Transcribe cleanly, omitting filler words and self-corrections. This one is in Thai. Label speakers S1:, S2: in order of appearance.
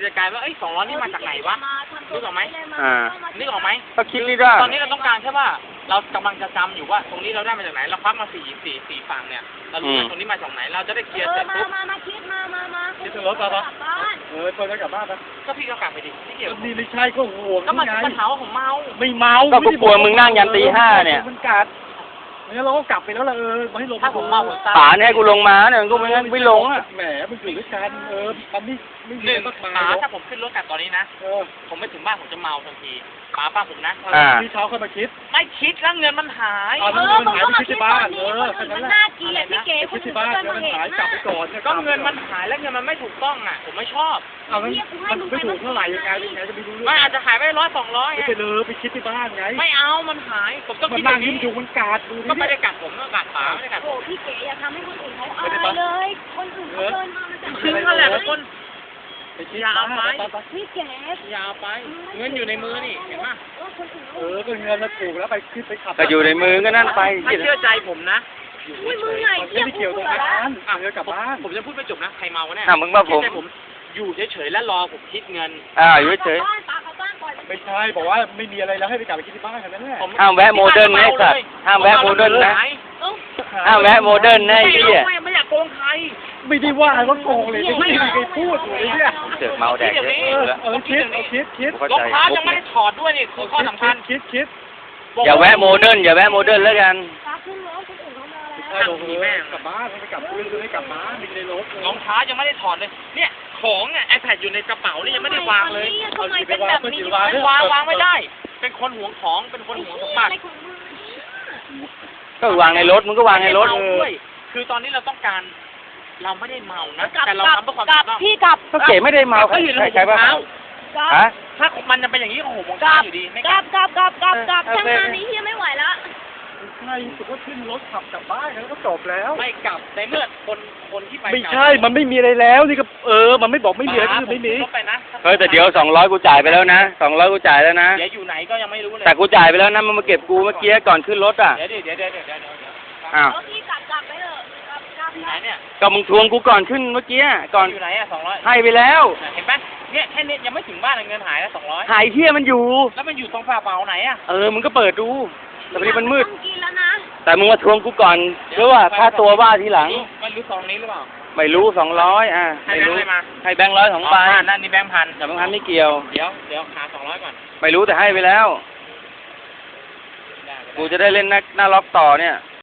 S1: จะกลายว่า200นี่มาจากไหนวะนึกออกไหมนึกออกไหม
S2: ก็คิดนี่ได้
S1: ตอนนี้เราต้องการแค่ว่าเรากำลังจะจำอยู่ว่าตรงนี้เราได้มาจากไหนเราพักมาสี่ฝั่งเนี่ยเรารู้ว่าตรงนี้มาจากไหนเราจะได้เคลียร์เสร็จปุ๊บ
S3: มาคิดมา
S4: คิดถึงรถปะคนจะกลับบ้านปะ
S1: ก็พี่ก็กลับไปดิไม่เกี่ยว
S4: นี่ไม่ใช่ก็ห่วง
S1: ก็มัน
S4: ไง
S1: ปัญหาว่าผมเมา
S4: ไม่เมา
S2: ก็กูกลัวมึงนั่งยันตี 5เนี่ย
S4: มันกัดงั้นเราก็กลับไปแล้วล่ะมาให้ลง
S1: ถ้าผมเมาผมตาย
S2: ป่าเนี่ยให้กูลงมาเนี่ยกูไม่งั้นไม่ลงอ่ะ
S4: แหมมันอยู่ด้วยกันมันไม่
S1: หนึ่ง
S4: มากมาย
S1: ป๋าถ้าผมขึ้นรถกลับตอนนี้นะผมไม่ถึงบ้านผมจะเมาทันทีป๋าป้าผมนะ
S4: พี่เช้าค่อยมาคิด
S1: ไม่คิดแล้วเงินมันหาย
S3: มึงก็มาคิดตอนนี้คนอื่นมันน่าเกลียดพี่เก๋ค
S4: คิ
S3: น
S4: ด
S3: อื่
S4: ที่
S3: น
S4: บ้าน
S3: ก็
S4: แล้ว
S3: มา
S4: มัน
S3: เห็น
S4: หายกลับไปก่อน
S1: ก็เงินมันหายแล้วเงินมันไม่ถูกต้องอ่ะผมไม่ชอบ
S4: เอามันไม่ถูกเท่าไหร่ยังไงจะไม่รู้เรื่อง
S1: ไม่อาจจะหายไป100-200
S4: ไปเลยไปคิดที่บ้านไง
S1: ไม่เอามันหายผมต้อง
S4: มัน
S1: คิดอ
S4: นั่ง
S1: ย่าง
S4: ยิ้
S1: นี้
S4: มอยู่มันกัดดู
S1: ก็
S4: ดิ
S1: ไม่ได้กัดผมก็กัดป๋าไม่ได้กัดผ
S3: โอ้
S1: ม
S3: พี่เก๋อย่าทำให้คนอื่นเขาอายเลยคนอื่นเขาเดินมามันจะ
S1: คือนั่นแหละทุกคน
S4: อย่าเอาไป
S3: พี่เก๋
S1: อย่าเอาไปเงินอยู่ในมือนี่เห็นป่ะ
S4: ก็เงินแล้วถูกแล้วไปขึ้นไปขับ
S2: ก็อยู่ในมือก็นั่นไป
S1: ไม่เชื่อใจผมนะ
S3: อุ้ยมึงไง
S4: ไม่เกี่ยวตรงนั้นกลับบ้าน
S1: ผมจะพูดไม่จบนะใครเมาวะเนี่ย
S2: มึงมาผม
S1: ผมอยู่เฉยๆแล้วรอผมคิดเงิน
S2: อยู่เฉย
S4: ไม่ใช่บอกว่าไม่มีอะไรแล้วให้ไปกลับไปคิดที่บ้านกันนั่นแหละ
S2: ห้ามแวะโมเดิร์นนะไอ้สัตว์ห้ามแวะโมเดิร์นนะ ห้ามแวะโมเดิร์นนะไอ้เหี้ย
S1: ไม่อยากโกงใคร
S4: ไม่ได้ว่าว่าโกงเลยไม่มีใครพูดเลยเนี่ย
S2: เสือกเมาแดกเยอะ
S4: คิด
S2: เข้าร
S1: อง
S2: ใจ
S1: เท้ายังไม่ได้ถอดด้วยนี่คือข้อสำคัญ
S4: คิด
S2: อย่าแวะโมเดิร์นอย่าแวะโมเดิร์นแล้วกัน
S3: ตาขึ้นรถคนอื่นเขามาแล้ว
S4: ใช่ลงแม่กลับบ้านไปกลับพื้นให้กลับบ้านมีในรถ
S1: รองเท้ายังไม่ได้ถอดเลยเนี่ยของเนี่ย iPad อยู่ในกระเป๋านี่ยังไม่ได้วางเลย
S3: ทำไมเป็นแบบนี้
S1: วางไม่ได้ เป็นคนหวงของเป็นคนหวงสมบัติ
S2: ก็วางในรถมึงก็วางในรถ
S1: ไม่ได้เมาด้วยคือตอนนี้เราต้องการเราไม่ได้เมานะแต่เราทำเพื่อความ
S3: กลับ
S1: ถูกต้อง
S3: พี่กลับ
S2: ก็เก๋ไม่ได้เมา
S1: ก็อยู่ใน
S2: ใช่
S1: หัว
S2: ป่ะ
S1: เท้า
S2: ฮะ
S1: ถ้ามันจะเป็นอย่างนี้ก็โหมง
S3: กลับ
S1: อยู่ดีไม่
S3: ก
S1: ก
S3: ลั
S1: ลั
S3: บบ ช่างงานนี้เฮียไม่ไหวแล้ว
S4: ใช่สุดก็ขึ้นรถขับกลับบ้านแล้วก็จบแล้ว
S1: ไม่กลับในเมื่อคนที่ไป
S4: ไม่ใช่มันไม่มีอะไรแล้วนี่ก็มันไม่บอกไม่มีอะไรคือไม่มี
S2: เฮ้ยแต่เดี๋ยว200กูจ่ายไปแล้วนะ200กูจ่ายแล้วนะ
S1: เดี๋ยวอยู่ไหนก็ยังไม่รู้เลย
S2: แต่กูจ่ายไปแล้วนะมันมาเก็บกูเมื่อกี้ก่อนขึ้นรถอ่ะ
S1: เดี๋ยว
S2: อ้าว
S3: พี่กลับไปเถอะกลับ
S1: อยู่ไหนเนี่ย
S2: ก็มึงทวงกูก่อนขึ้นเมื่อกี้ก่อน
S1: อยู่ไหนอ่ะ200
S2: ให้ไปแล้ว
S1: เห็นปะเนี่ยแค่นี้ยังไม่ถึงบ้านเงินหายแล้ว200
S2: หายเที่ยมันอยู่
S1: แล้วมันอยู่ตรงฝาเป๋าไหนอ่ะ
S2: มึงก็เปิดดูแต่พอดีมันมืด
S3: ต้องกินแล้วนะ
S2: แต่มึงมาทวงกูก่อนเพื่อว่าค่าตัวว่าทีหลัง
S1: มันรู้ซองนี้หรือเปล่า
S2: ไม่รู้200
S1: ให้
S2: ไม่
S1: แบง
S2: รู้
S1: ค์อะไรมา
S2: ให้แบงค์100 2ใบ
S1: นั่นนี่แบงค์พัน
S2: แต่บางครั้งไม่เกี่ยว
S1: เดี๋ยวหา200ก่อน
S2: ไม่รู้แต่ให้ไปแล้ว กูจะได้เล่นหน้าล็อกต่อเนี่ย